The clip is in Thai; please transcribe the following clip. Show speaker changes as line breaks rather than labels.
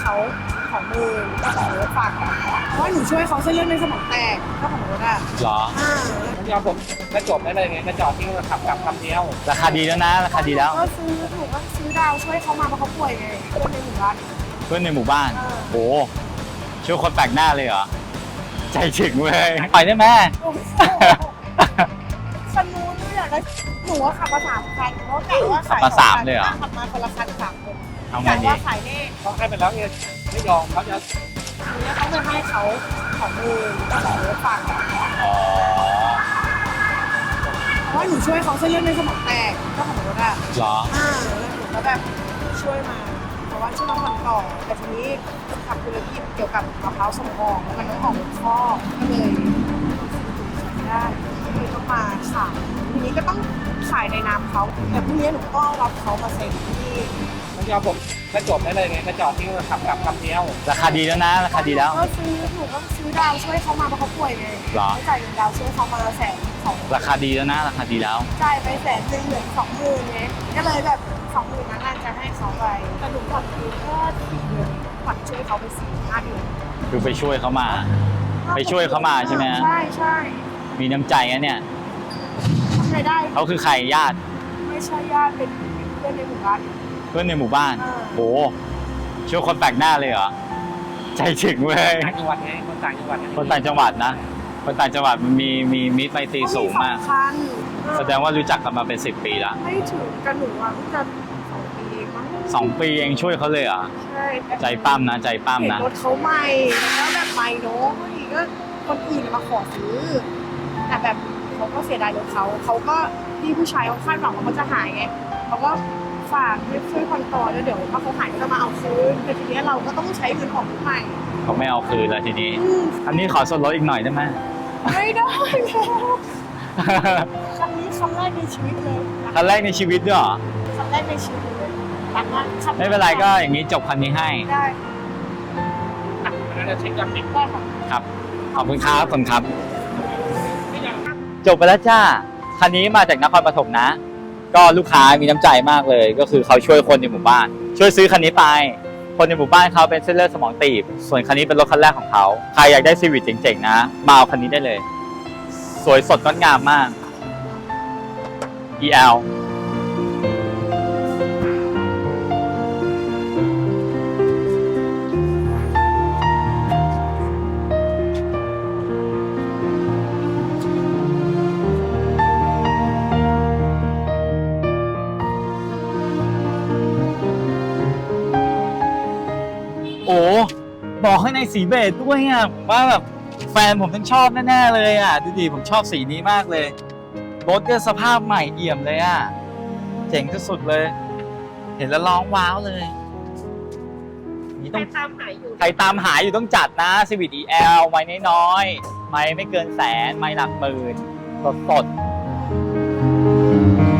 เขา20,000ก็ของรถฝากกันเพราะว่าหนูช่วยเขาเส้นเลือดในสมองแตกเจ้าของรถอ่ะ
เหรอ
ยอมผมก็จบได้เลยไงก็จอดที่ขับกลับคำเดียว
ราคาดีแล้วนะราคาดีแล้ว
ก็ซื้อหนูก็ซื้อดาวช่วยเขามาเพราะเขาป่วยไงคนในหมู่บ้าน
เพื่อนในหมู่บ้านโอ้ช่วยคนแปลกหน้าเลยเหรอใจถึงเว้ยปล่อยได้ไหม
โอ้โหคันนู้นอยากได้หนูว่าขับมา3 คันเพราะกะว่าขาย
ขับมาสามเลยเหรอ
ขับมาคนละคัน3 คน
เอาไง
กะ
ดี
ว่าขายแน่
เขาให้ไปแล้วเนี่ยไม่ยอมเขาจะ
ทีนี้เขาจะให้เขา20,000ก็ของรถฝากกัน
อ๋อ
เพราะว่าหนูช่วยเขาเส้นเลือดในสมองแตกเจ้าของรถอ่ะ
เหรอ
แล้วหนูก็แบบช่วยมาเพราะว่าช่วยมาผ่อนต่อแต่ทีนี้ทำธุรกิจเกี่ยวกับมะพร้าวส่งออกมันต้องออกข้อก็เลยไม่ได้ก็เลยต้องมาขายทีนี้ก็ต้องขายในนามเขาแต่พรุ่งนี้หนูก็รับเขามาเซ็นที่
ไม่ยอมผมก็จบได้เลยไงก็จอดที่ขับกลับคำเดียว
ราคาดีแล้วนะราคาดีแล้ว
ก็ซื้อหนูก็ซื้อดาวช่วยเขามาเพราะเขาป่วยไง
เหรอ
ไม่จ่ายเงินดาวช่วยเขามา120,000
ราคาดีแล้วนะราคาดีแล้ว
จ่ายไป100,000เหลือ20,000ไงก็เลยแบบ20,000นั้นน่าจะให้เขาไปแต่หนูผ่อนคือแค่4 เดือนผ่อนช่วยเขาไป4-5 เดือน
คือไปช่วยเขามา ไปช่วยเขามาใช่ไหมฮะ
ใช่ใช่
มีน้ำใจนะเนี่ย
ทำไงได้
เขาคือใครญาติ
ไม่ใช่ญาติเป็นเพื่อนในหมู่บ้าน
เพื่อนในหมู่บ้าน
เออ
โอ้ช่วยคนแปลกหน้าเลยเหรอใจถึงเว้ย
ต่างจังหวัดไงคนต่างจังหวัดไง
คนต่างจังหวัดนะคนต่างจังหวัดมันมีมิตรไมตรีสูงมาก
2 คัน
แสดงว่ารู้จักกันมาเป็น10 ปีละ
ไม่ถึงกันหนูอ่ะเพิ่งจะ2 ปีเองมั้ง
2 ปีเองช่วยเขาเลยเหรอ
ใช่
ใจปั้มนะใจปั้ม
เห็น
นะ
รถเขาใหม่แล้วแบบใหม่เนาะก็คนอื่นมาขอซื้อแต่แบบเขาก็เสียดายรถเขาก็พี่ผู้ชายเขาคาดหวังว่าเขาจะหายไงเขาก็ฝากให้ช่วยผ่อนต่อแล้วเดี๋ยวถ้าเขาหายก็จะมาเอาคืนแต่ทีนี้เราก็ต้องใช้เงินของใหม่
เขาไม่เอาคืนแล้วทีนี้ อันนี้ขอส่วนลดอีกหน่อยได้ไหม
ไม่ได้แล้วครั้งนี้ครั้งแรกในชีวิตเลย
คันแรกในชีวิตด้วยเหรอ
ครั้งแรกในชีวิตเลยรักมาก
ไม่เป็นไรก็อย่างนี้จบคันนี้ให้
ได้
แล้วจะเช็คยอดติด
ได้ค่ะ
ครับขอบคุณครับขอบคุณครับ จบไปแล้วจ้าคันนี้มาจากนครปฐมนะ ก็ลูกค้ามีน้ำใจมากเลย ก็คือเขาช่วยคนในหมู่บ้าน ช่วยซื้อคันนี้ไป คนในหมู่บ้านเขาเป็นเส้นเลือดสมองตีบ ส่วนคันนี้เป็นรถคันแรกของเขาใครอยากได้ซีวิตเจ๋งๆนะมาเอาคันนี้ได้เลย สวยสดงดงามมาก EL โอ้บอกให้ในสีเบจด้วยอ่ะผมว่าแบบแฟนผมต้องชอบแน่ๆเลยอ่ะดูดิผมชอบสีนี้มากเลยรถก็สภาพใหม่เอี่ยมเลยอ่ะเจ๋งที่สุดเลย เห็นแล้วร้องว้าวเลยนี่
ใคร
ต้อง
ตามหาอยู่
ใครตามหาอยู่ต้องจัดนะ Civic EL ไม้น้อยๆไม้ไม่เกิน100,000ไม้หลักหมื่นสดๆ